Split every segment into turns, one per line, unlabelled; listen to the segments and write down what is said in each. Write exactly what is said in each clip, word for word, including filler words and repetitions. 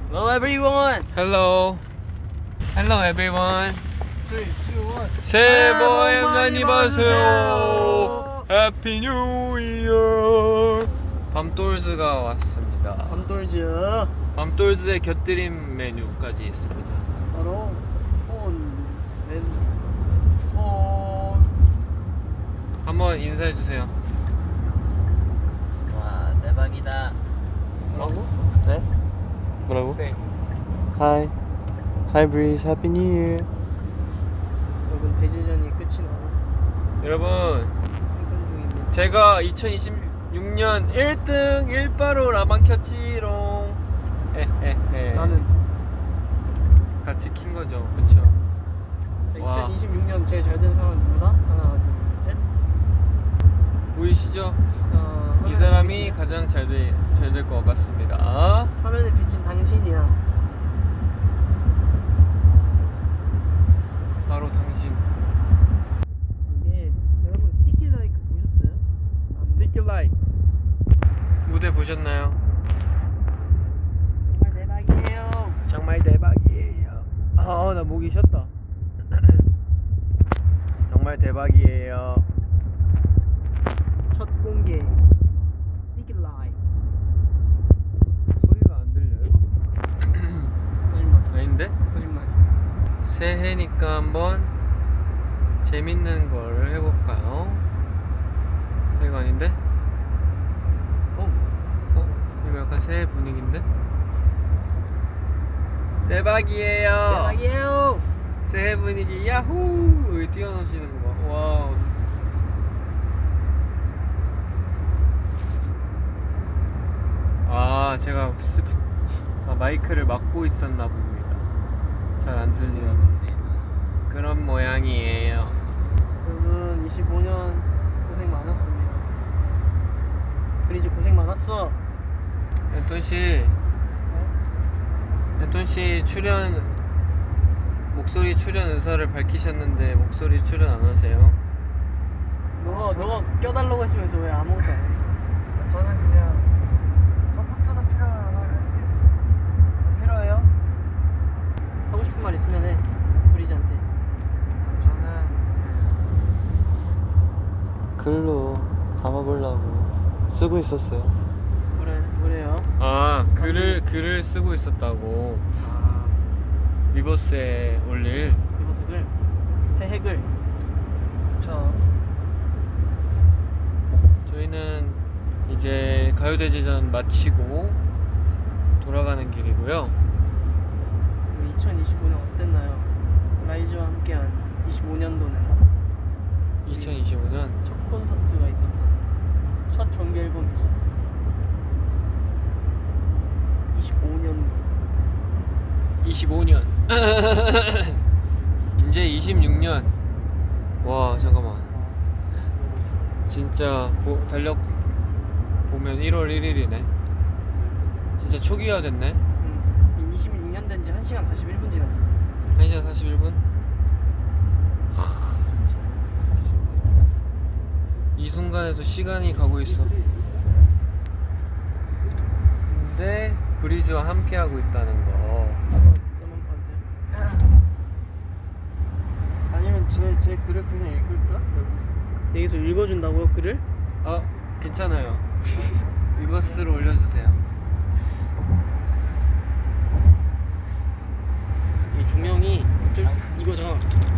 Hello everyone.
Hello. Hello everyone.
three, two, one.
새해 복
많이
많이 받으세요. 해피 뉴 이어. 밤돌즈가 왔습니다.
밤돌즈.
밤돌즈의 곁들임 메뉴까지 있습니다.
바로 폰, 렌, 폰.
한번 인사해 주세요.
와 대박이다. 뭐라고?
네? 뭐라고?
Say.
Hi. Hi Breeze. Happy New Year.
여러분 대제전이 끝이 나고
여러분,
출근 중입니다.
제가 이천이십육 년 일 등 일 바로 라방 켰지롱. 에헤헤.
나는
같이 킨 거죠, 그쵸? 와.
이천이십육 년 제일 잘 된 사람 누구다? 하나, 둘, 셋.
보이시죠?
자,
이
화면에
사람이
비친-
가장 잘될 것 같습니다.
화면에 비친 당신이야.
바로 당신.
이게 여러분 스티키 라이크 보셨어요?
Sticky like. 무대 보셨나요?
정말 대박이에요.
정말 대박이에요. 아, 나 목이 쉬었다. 정말 대박이에요.
첫 공개 스티키 라이크.
소리가 안 들려요?
거짓말.
아닌데?
거짓말.
새해니까 한번 재밌는 걸 해볼까요? 이거 아닌데?
어?
어? 이거 약간 새해 분위기인데? 대박이에요.
대박이에요.
새해 분위기 야호! 여기 뛰어노시는 거 봐. 와우. 아, 제가 스피... 아, 마이크를 막고 있었나 봅니다. 잘 안 들리는 그런 모양이에요.
여러분 이십오 년 고생 많았습니다. 그리즈 고생 많았어.
앤톤 씨, 앤톤 씨 출연 목소리 출연 의사를 밝히셨는데 목소리 출연 안 하세요?
너가 너가 껴달라고 했으면서 왜 아무것도 안 해?
저는 그냥 서포트가 필요하면 할게요. 필요해요?
하고 싶은 말 있으면 해. 브리즈한테.
저는 글로 담아보려고 쓰고 있었어요.
그래 그래요.
아, 글을 글을 쓰고 있었다고.
아
리버스에 올릴.
리버스글 새 핵을.
그쵸.
저희는 이제 가요대제전 마치고 돌아가는 길이고요.
우리 이천이십오 년 어땠나요? 라이즈와 함께한 이십오 년도는
이천이십오 년
첫 콘서트가 있었다. 첫 정규 앨범이 있었다. 이십오 년도.
이십오 년 이제 이십육 년. 와, 잠깐만. 진짜 보, 달력 보면 일월 일일이네. 진짜 초기화 됐네.
음, 이십육 년 된 지 한 시간 사십일 분 지났어.
한 시간 사십일 분. 이 순간에도 시간이 가고 있어. 근데 브리즈와 함께하고 있다는 거.
너만 봐도 돼.
아니면 제, 제 글을 그냥 읽을까? 여기서?
여기서 읽어준다고요 글을?
아, 괜찮아요. 리버스로 올려주세요.
이 조명이 어쩔 수 이거잖아.
어,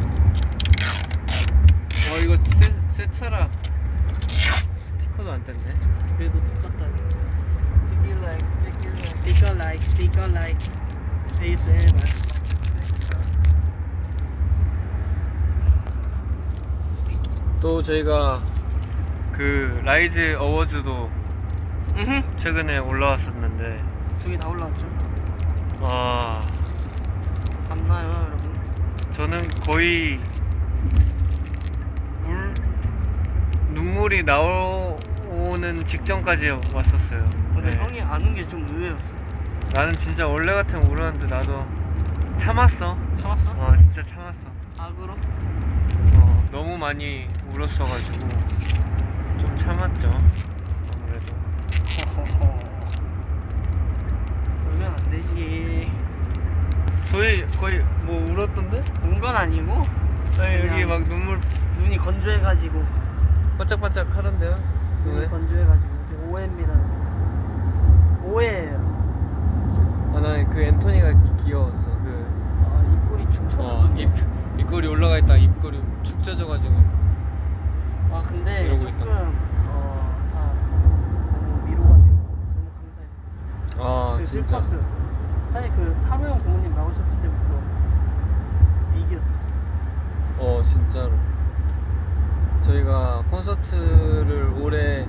이거 새, 새 차라. 스티커도 안 뗐네.
그래도 똑같다.
Sticky like, sticky like.
스티커 라이크 스티커 라이크 에이에스엠알.
또 저희가 그 라이즈 어워즈도
으흠.
최근에 올라왔었는데,
저기 다 올라왔죠.
아,
봤나요 여러분?
저는 거의 물 눈물이 나오는 직전까지 왔었어요.
근데
네.
형이 안 운 게 좀 의외였어.
나는 진짜 원래 같으면 울었는데 나도 참았어.
참았어?
어, 진짜 참았어.
악으로?
어, 너무 많이 울었어가지고 좀 참았죠. 아무래도.
허허허. 울면 안 되지.
저희 거의 뭐 울었던데?
운 건 아니고
아니 여기
그냥
막 눈물
눈이 건조해가지고
반짝반짝 하던데요?
눈이
왜?
건조해가지고 오해입니다. 오해예요.
아 나 그 앤토니가 귀여웠어. 그
아, 입꼬리 축 처져.
어, 입 입꼬리 올라가 있다 입꼬리 축 젖어가지고.
아 근데
이러고
조금
있던
어다 너무 위로가 되고 너무 감사했어.
아
그
진짜.
슬펐어요. 사실 그 타로 형 부모님 나오셨을 때부터 위기였어.
어 진짜로. 저희가 콘서트를 올해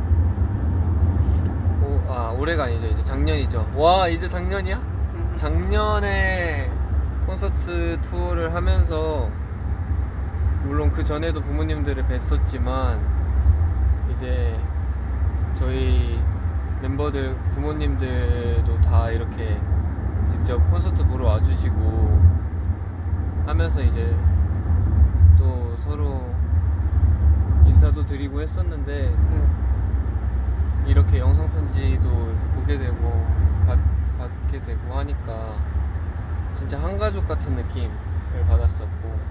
오, 아 올해가 아니죠 이제 작년이죠. 와 이제 작년이야?
음.
작년에 콘서트 투어를 하면서 물론 그 전에도 부모님들을 뵀었지만 이제 저희 멤버들 부모님들도 다 이렇게 직접 콘서트 보러 와주시고 하면서 이제 또 서로 인사도 드리고 했었는데
응.
이렇게 영상 편지도 보게 되고 받, 받게 되고 하니까 진짜 한 가족 같은 느낌을 받았었고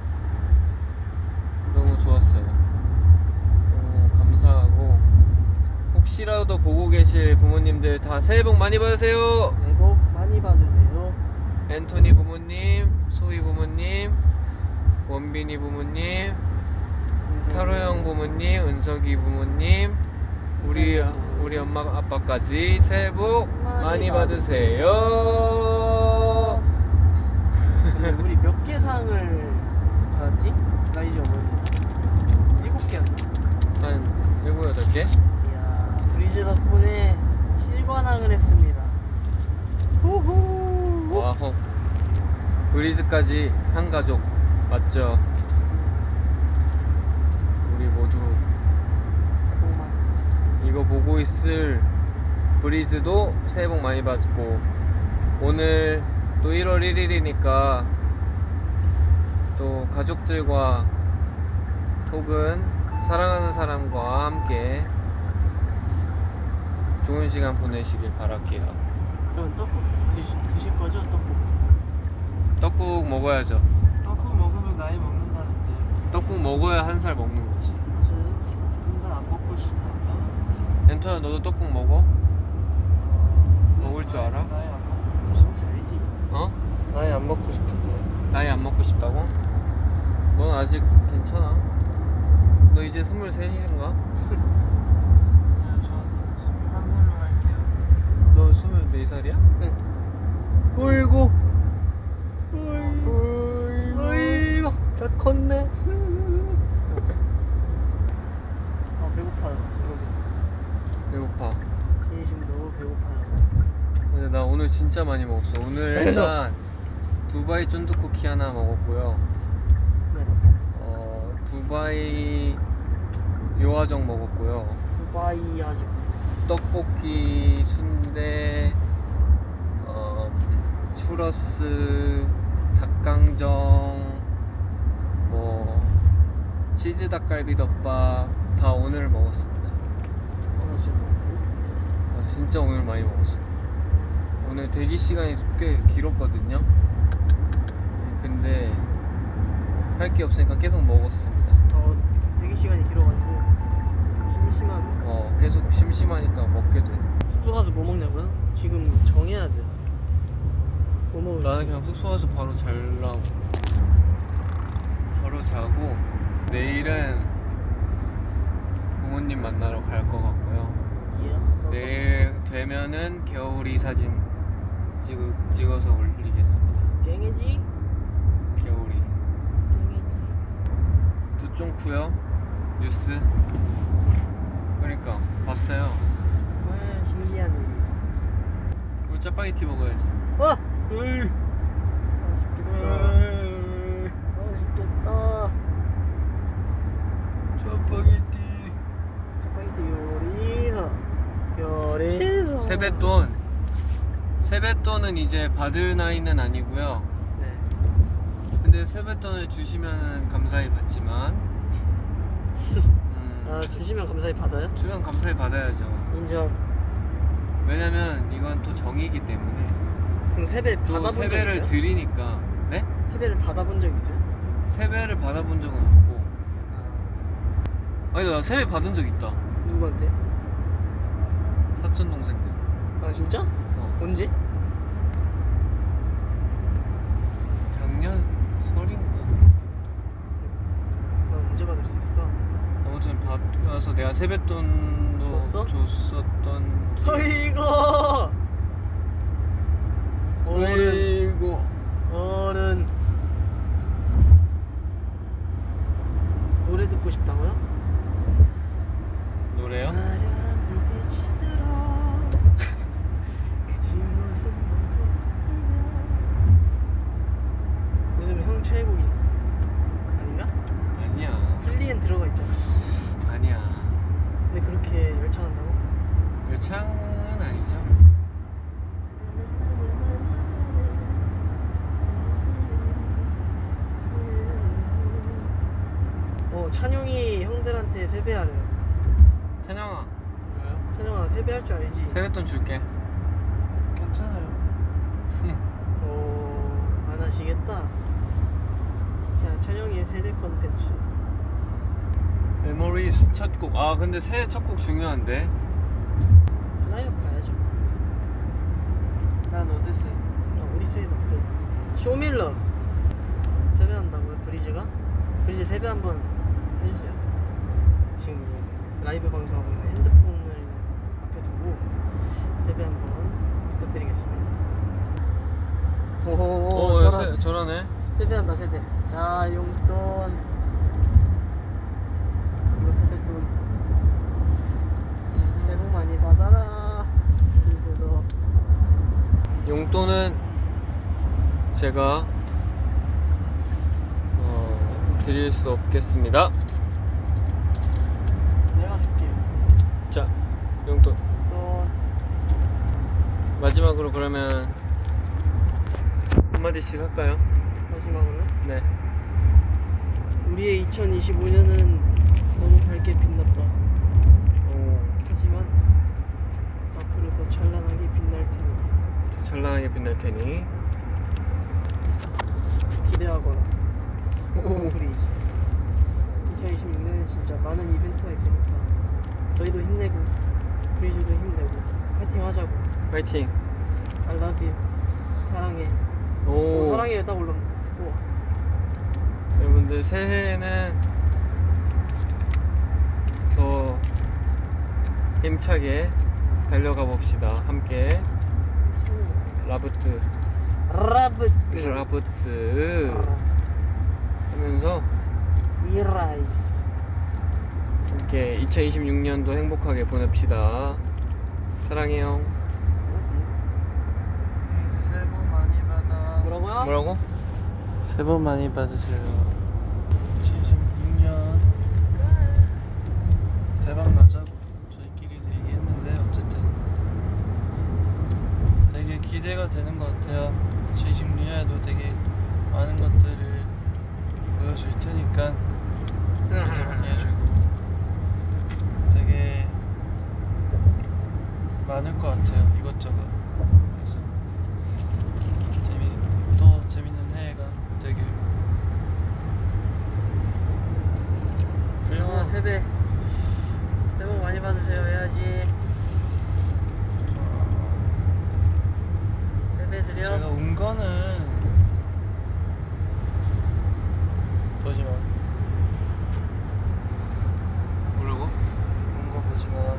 너무 좋았어요. 너무 감사하고 혹시라도 보고 계실 부모님들 다 새해 복 많이 받으세요.
새해 복 많이 받으세요.
앤토니 부모님, 소희 부모님, 원빈이 부모님, 타로 형 부모님, 은석이 부모님, 우리 우리 엄마 아빠까지 새해 복 많이,
많이
받으세요.
근데 우리 몇 개 상을 받았지? 나 이제 모르겠어. 일곱 개였나?
한 일곱 여덟 개?
이야, 브리즈 덕분에 칠관왕을 했습니다. 후후.
와호. 브리즈까지 한 가족 맞죠? 우리 모두
오만.
이거 보고 있을 브리즈도 새해 복 많이 받고 오늘 또 일월 일일이니까 또 가족들과 혹은 사랑하는 사람과 함께 좋은 시간 보내시길 바랄게요.
그럼 떡국 드시, 드실 거죠? 떡국.
떡국 먹어야죠.
떡국 먹으면 나이 먹는다는데
떡국 먹어야 한 살 먹는 거지.
맞아요.
한잔 안 먹고 싶다면
엔터야 너도 떡국 먹어? 먹을 줄 알아?
나이 안 먹고 싶
진짜 알지?
어?
나이 안 먹고 싶은데
나이 안 먹고 싶다고? 넌 아직 괜찮아. 너 이제 스물셋인가?
그냥 전 스물한 살로 할게요.
너 스물네 살이야?
응.
어이구
어이구.
어이구 다 컸네.
아 배고파요. 여러분.
배고파.
진심으로 배고파요.
근데 나 오늘 진짜 많이 먹었어. 오늘
그래서?
일단 두바이 쫀득 쿠키 하나 먹었고요.
네.
어 두바이 요아정 먹었고요.
두바이 아직.
떡볶이, 순대, 어, 추러스, 닭강정, 뭐 치즈 닭갈비 덮밥 다 오늘 먹었습니다. 아, 진짜 오늘 많이 먹었어. 오늘 대기 시간이 꽤 길었거든요. 근데 할 게 없으니까 계속 먹었습니다.
어, 대기 시간이 길어가지고 좀 심심한.
어, 계속 심심하니까 먹게 돼.
숙소 가서 뭐 먹냐고요? 지금 정해야 돼. 뭐 먹을지.
나는 그냥 숙소 가서 바로 자려고. 바로 자고 내일은 부모님 만나러 갈 것 같고요.
예.
내일 되면은 겨울이 사진 찍, 찍어서 올리겠습니다.
깽해지?
겨울이.
깽해지.
두쫑쿠요 뉴스. 그러니까 봤어요.
와 신기한 일이.
우리 짜파게티 먹어야지.
와!
으이.
맛있겠다.
으이.
맛있겠다.
짜파게티.
짜파게티 요리사. 요리사.
세뱃돈. 세뱃돈은 이제 받을 나이는 아니고요.
네.
근데 세뱃돈을 주시면 감사히 받지만 음,
아 주시면 감사히 받아요?
주면 감사히 받아야죠.
인정.
왜냐면 이건 또 정이기 때문에
그럼 세배
또
받아본 적
세배를
있어요?
드리니까. 네?
세배를 받아본 적 있어요?
세배를 받아본 적은 없고.
아,
아니 나 세배 받은 적 있다.
누구한테?
사촌 동생들.
아 진짜?
어.
언제?
작년 설인가.
나 언제 받을 수 있을까?
아무튼 받고 나서 내가 세뱃돈도
줬어?
줬었던. 기억.
어이구 어른
어이구.
어른 노래 듣고 싶다고요?
노래요?
화려한 불빛으로 그 뒷모습만 보이며 요즘 형 최애곡이 아닌가?
아니야.
플리엔 들어가 있잖아.
아니야.
근데 그렇게 열창한다고?
열창은 아니죠.
어 찬용이 형들한테 세배하래.
찬영아,
왜요?
찬용아 세배할 줄 알지?
세뱃돈 줄게.
괜찮아요.
어... 안 하시겠다. 자 찬용이의 세배 컨텐츠.
메모리스 첫 곡. 아 근데 새해 첫 곡 중요한데.
플라이업 가야죠.
난 오디세이.
어, 오디세이 덕분. 쇼밀러 세배한다고요 브리즈가? 브리즈 세배 한번 해주세요. 지금 라이브 방송하고 있는 핸드폰을 앞에 두고 세배 한번 부탁드리겠습니다. 오호호
어,
저런,
세, 저러네.
세배한다 세배. 자 용돈 이거 세뱃돈 새해 복 많이 받아라. 브리즈도
용돈은 제가 어, 드릴 수 없겠습니다.
내가 줄게요.
자, 용돈.
돈
마지막으로 그러면 한마디씩 할까요?
마지막으로
네.
우리의 이천이십오 년은 너무 밝게 빛났다.
오,
하지만 앞으로 더 찬란하게 빛날 테니
더 찬란하게 빛날 테니.
기대하거라. 브리즈. 이천이십육 년에 진짜 많은 이벤트가 있으니까 저희도 힘내고 브리즈도 힘내고 파이팅 하자고.
파이팅.
I love you. 사랑해. 오,
오,
사랑해 딱 올랐네. 우와.
여러분들 새해에는 더 힘차게 달려가 봅시다. 함께 라부트
라브
라부트 하면서
미라이즈.
함께 이천이십육 년도 행복하게 보냅시다. 사랑해요.
브리즈 새해 복 많이 받아.
뭐라고요?
뭐라고?
새해 복 많이 받으세요. 이천이십육 년 대박 나자고 저희끼리도 얘기했는데 어쨌든 되게 기대가 되는 것 같아요. 이천이십육 년에도 되게 많은 것들을 보여줄 테니까 기대 많이 해주고 되게 많을 것 같아요. 이것저것. 그래서 재미 또 재밌는 해가 되길. 그리고
영화 세배. 새해 복 많이 받으세요 해야지.
어,
세배 드려.
제가 운 거는 보지만
뭐라고?
운 거 보지만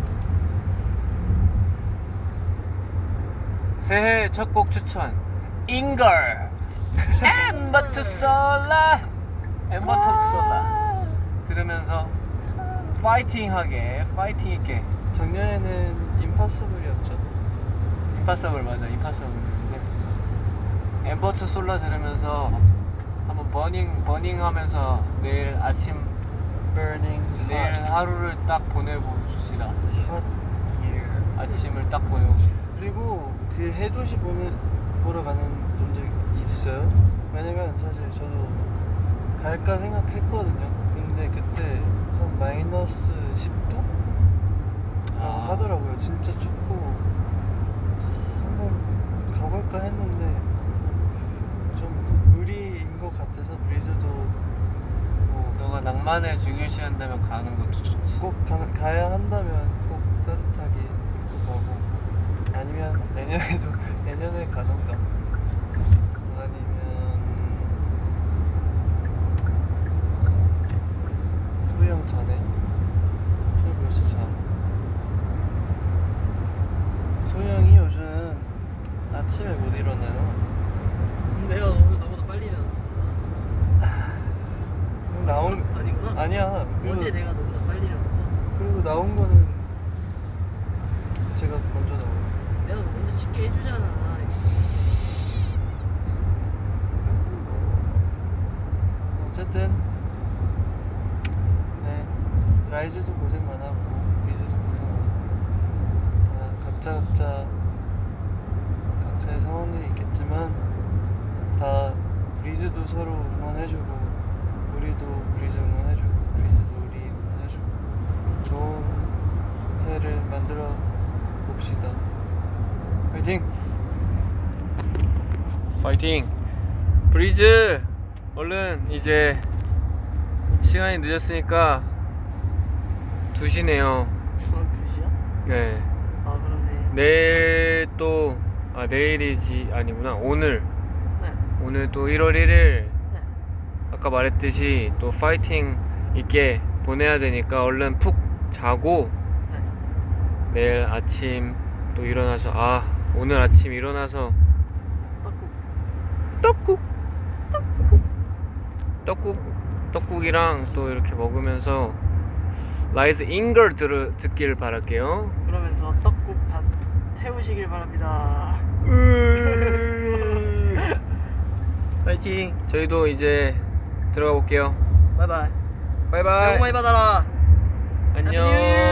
새해 첫 곡 추천 잉걸 엠버 투 솔라 엠버 투 솔라 들으면서 파이팅하게 파이팅 있게.
작년에는 임파서블이었죠.
임파서블 맞아. 임파서블인데 엠버 투 솔라 들으면서 한번 버닝 버닝 하면서 내일 아침
Burning
내일
Hot
하루를 딱 보내봅시다.
Hot Year.
아침을 딱 보내봅시다.
그리고 그 해돋이 보는 보러 가는 분들 있어요. 왜냐면 사실 저도 갈까 생각했거든요. 근데 그때 한 마이너스 십 도? 라고
아.
하더라고요. 진짜 춥고 하, 한번 가볼까 볼까 했는데 좀 무리인 것 같아서 브리즈도 뭐
너가 낭만을 중요시한다면 가는 것도 좋지.
꼭 가, 가야 한다면 꼭 따뜻하게 입고 가고 아니면 내년에도 내년에 가던가 아니면 소영 자네? 소영 벌써 자. 소영이 요즘 아침에 못 일어나요.
내가 오늘 나보다 빨리 일어났어.
그럼 나온
아니구나.
아니야. 그리고,
어제 내가 너보다 빨리 일어났고
그리고 나온 거는 제가 먼저 나오고.
내가 너 먼저 씻게 해주잖아.
어쨌든 네 라이즈도 고생 많았고 리즈도 고생 많았고 다 각자 각자 각자의 상황들이 있겠지만 다 브리즈도 서로 응원해주고 우리도 브리즈 응원해주고 브리즈도 우리 응원해주고 좋은 해를 만들어 봅시다. 화이팅!
파이팅! 브리즈! 얼른 이제 시간이 늦었으니까 두 시네요.
어, 두 시야?
네.
아 그러네.
내일 또, 아, 내일이지, 아니구나. 오늘.
네.
오늘 또 일월 일일,
네.
아까 말했듯이 또 파이팅 있게 보내야 되니까 얼른 푹 자고
네.
내일 아침 또 일어나서, 아, 오늘 아침 일어나서
떡국.
떡국 떡국 떡국이랑 또 이렇게 먹으면서 라이즈 잉걸 들 듣길 바랄게요.
그러면서 떡국 다 태우시길 바랍니다. 파이팅.
저희도 이제 들어가 볼게요.
바이바이. 새해 복
바이바이.
많이 받아라.
안녕.
해피 뉴 이어.